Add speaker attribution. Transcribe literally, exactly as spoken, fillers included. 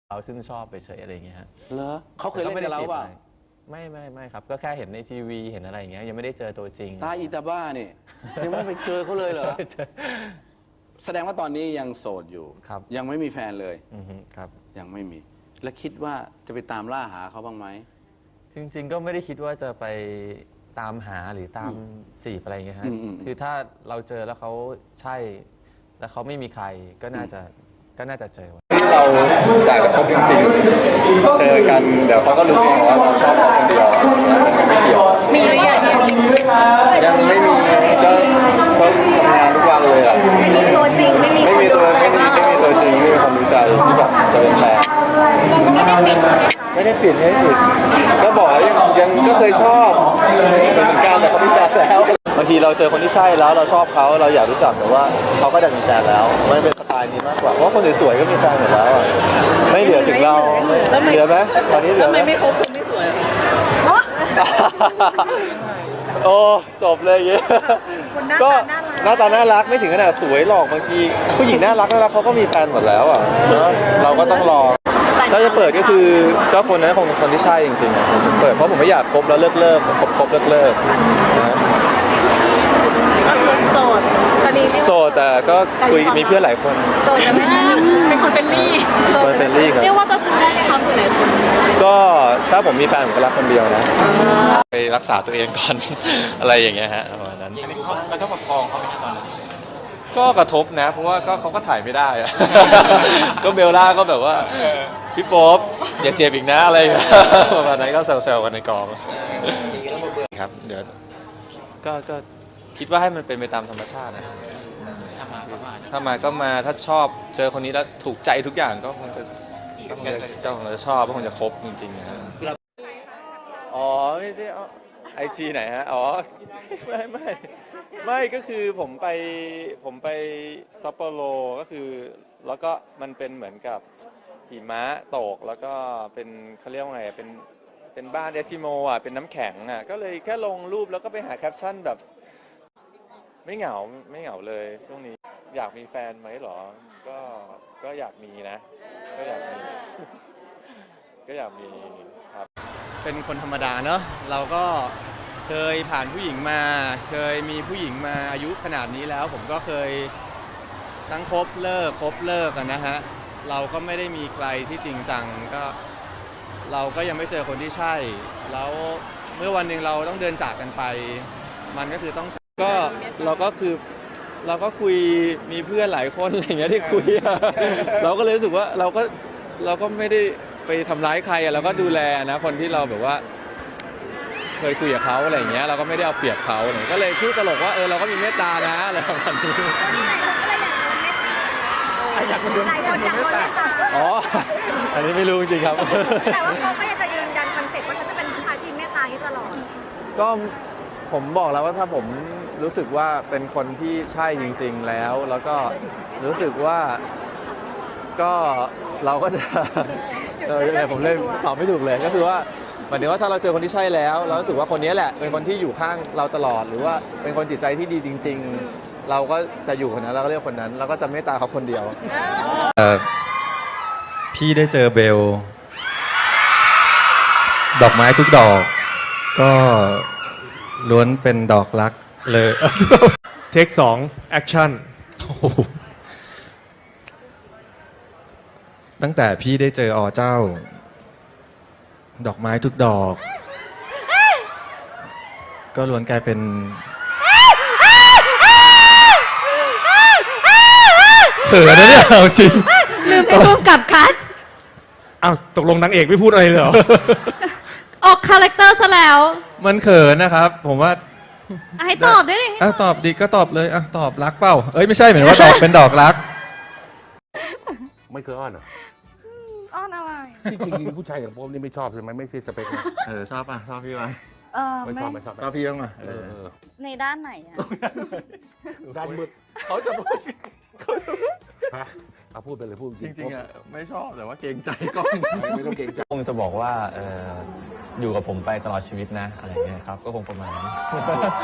Speaker 1: เราซึ่งชอบไปเฉยอะไรอย่างเงี้ยฮะ
Speaker 2: เหรอเขาเคยเล่นกับเราเปล่า
Speaker 1: ไม่ไม่ไม่ครับก็แค่เห็นในทีวีเห็นอะไรอย่างเงี้ยยังไม่ได้เจอตัวจริง
Speaker 2: ตาอีตาบ้านี่ยังไม่ไปเจอเขาเลยเหรอแสดงว่าตอนนี้ยังโสดอยู่
Speaker 1: ครับ
Speaker 2: ยังไม่มีแฟนเลย
Speaker 1: อือฮึครับ
Speaker 2: ยังไม่มีแล้วคิดว่าจะไปตามล่าหาเขาบ้างไหม
Speaker 1: จริงๆก็ไม่ได้คิดว่าจะไปตามหาหรือตามจีบอะไรอย่างเงี้ยฮะคือถ้าเราเจอแล้วเขาใช่แล้วเขาไม่มีใครก็น่าจะก็น่าจะเจอ
Speaker 3: ที่เราจ่ายกับเขาจริงๆเจอกันเดี๋ยวเขาก็รู้เองว่าเราชอบเขาคนเดียวมันไม่เกี่ยว
Speaker 4: มีหรือยัง
Speaker 3: ยังไม่มีก็เขาทำงานทุกวันเลยอ่ะ
Speaker 4: ไม่มีตัวจริงไม่มี
Speaker 3: ไม่มีตัวไม่มีไม่มีตัวจริงไม่มีความรู้ใจที่แบบจะเป็นแฟนไม่ได้ปิดไม่ได้ปิดก็บอกยังยังก็เคยชอบเหมือนกันแต่เขามีแฟนแล้วบางทีเราเจอคนที่ใช่แล้วเราชอบเขาเราอยากรู้จักแต่ว่าเขาก็จะมีแฟนแล้วมันเป็นสไตล์นี้มากกว่าเพราะคนสวยๆก็มีแฟนหมดแล้วไม่เหลือถึงเราเหลือไหมตอนนี้เหลือไหมไม่ครบคนไม่สวยโอ้จบเลยเงี้ยก็หน้าตาน่ารักไม่ถึงขนาดสวยหรอกบางทีผู้หญิงน่ารักน่ารักเขาก็มีแฟนหมดแล้วอ่ะเนาะเราก็ต้องรอถ้าจะเปิดก็คือเจ้าคนนั้นคงคนที่ใช่จริงๆเปิดเพราะผมไม่อยากคบแล้วเลิกเลิกคบคบเลิกเลิกนะ
Speaker 4: ก็คือโสดตอนนี้
Speaker 3: โสดแต่ก็คุยมีเพื่อนหลายคน
Speaker 4: โสดจะไม่ได้เป็นคนเฟรนลี่
Speaker 3: คนเฟรนลี่ครับ
Speaker 4: เรียกว่าตัวฉันได้ไหมคะคุณหลายคน
Speaker 3: ก็ถ้าผมมีแฟนผมก็รักคนเดียวนะไปรักษาตัวเองก่อน อะไรอย่างเงี้ยฮะประมาณนั้น
Speaker 5: กระทบกับกองเขาไหมตอนนั้น
Speaker 3: ก็กระทบนะเพราะว่าก็เขาก็ถ่ายไม่ได้อะ ก็เบลล่าก็แบบว่าพี่โป๊ปอย่าเจ็บอีกนะอะไรประมาณนั้นก็แซวๆกันในกองครับเดี๋ยวก็ก็คิดว่าให้มันเป็นไปตามธรรมชาตินะ
Speaker 5: ถ้ามาก็มา
Speaker 3: ถ้ามาก็มาถ้าชอบเจอคนนี้แล้วถูกใจทุกอย่างก็คงจะก็คงจะเจ้าคงจะชอบก็คงจะคบจริงๆนะอ๋อไม่ได้ไอจีไหนฮะอ๋อไม่ไม่ไม่ก็คือผมไปผมไปซัปโปโรก็คือแล้วก็มันเป็นเหมือนกับหิมะตกแล้วก็เป็นเขาเรียกว่าไงเป็นเป็นบ้านเอสกิโมอ่ะเป็นน้ำแข็งอ่ะก็เลยแค่ลงรูปแล้วก็ไปหาแคปชั่นแบบไม่เหงาไม่เหงาเลยช่วงนี้อยากมีแฟนไหมหรอก็ก็อยากมีนะก็อยากมีก็อยากมีครับเป็นคนธรรมดาเนอะเราก็เคยผ่านผู้หญิงมาเคยมีผู้หญิงมาอายุขนาดนี้แล้วผมก็เคยทั้งคบเลิกคบเลิกกันนะฮะเราก็ไม่ได้มีใครที่จริงจังก็เราก็ยังไม่เจอคนที่ใช่แล้วเมื่อวันหนึ่งเราต้องเดินจากกันไปมันก็คือต้องก็เราก็คือเราก็คุยมีเพื่อนหลายคนอะไรอย่างเงี้ยที่คุยเราก็เลยรู้สึกว่าเราก็เราก็ไม่ได้ไปทำร้ายใครเราก็ดูแลนะคนที่เราแบบว่าเคยคุยกับเขาอะไรอย่างเงี้ยเราก็ไม่ได้เอาเปรียบเขาเนี่ยก็เลยพูดตลกว่าเออเราก็มีเมตตานะอะไรประมาณนี้อยากโดนเมตตาอ๋ออันนี้ไม่รู้จริงครับ
Speaker 4: แต่ว่าเขาก็ยังจะยืนยันคอนเซ็ปต์ว่าเขาจะเป็นผู้ชายที่เมตตาที่ตลอด
Speaker 3: ก็ผมบอกแล้วว่าถ้าผมรู้สึกว่าเป็นคนที่ใช่จริงๆแล้วแล้วก็รู้สึกว่าก็เราก็จะเออผมเลยตอบไม่ถูกเลยก็คือว่าหมายถึงว่าถ้าเราเจอคนที่ใช่แล้วเรารู้สึกว่าคนนี้แหละเป็นคนที่อยู่ข้างเราตลอดหรือว่าเป็นคนจิตใจที่ดีจริงๆเราก็จะอยู่คนนั้นเราก็เรียกคนนั้นเราก็จะเมตตาเขาคนเดียว
Speaker 6: พี่ได้เจอเบลดอกไม้ทุกดอกก็ล้วนเป็นดอกรักเลย
Speaker 7: เทคสองแอคชั่น
Speaker 6: ตั้งแต่พี่ได้เจออเจ้าดอกไม้ทุกดอกก็ล้วนกลายเป็นเขินนะเนี่ยเอาจริง
Speaker 4: ลืมไปร่วมกับคัท
Speaker 7: อ้าวตกลงนางเอกไม่พูดอะไรเลยเหรอ
Speaker 4: ออกคาแรคเตอร์ซะแล้ว
Speaker 6: มันเขินนะครับผมว่า
Speaker 4: ให้ตอบได้ดิ
Speaker 6: อ่ะตอบดีก็ตอบเลยอ่ะตอบรักเปล่าเอ้ยไม่ใช่เหมือนว่าดอกเป็นดอกรัก
Speaker 2: ไม่เคยอ้อนเหรอ
Speaker 4: อ้อนอะไร
Speaker 2: จริงๆผู้ชายอย่างผมนี่ไม่ชอบใช่ไหมไม่ใช่สเปคนะ
Speaker 6: เออชอบป่ะชอบพี่ป่ะ
Speaker 4: เออ
Speaker 2: ไม่ชอบไม่ชอบ
Speaker 6: ชอบพี่บ้างป่ะ
Speaker 4: ในด้านไหนอ่ะ
Speaker 2: ด้านมืด
Speaker 6: เขาจะพูด
Speaker 2: ฮะเอาพูดไปเลยพูด
Speaker 6: จริงๆอ่ะไม่ชอบแต่ว่าเกรงใจก็
Speaker 2: ไม่ต้องเกรงใจ
Speaker 1: คงจะบอกว่าอยู่กับผมไปตลอดชีวิตนะอะไรเงี้ยครับก็คงประมาณนั้น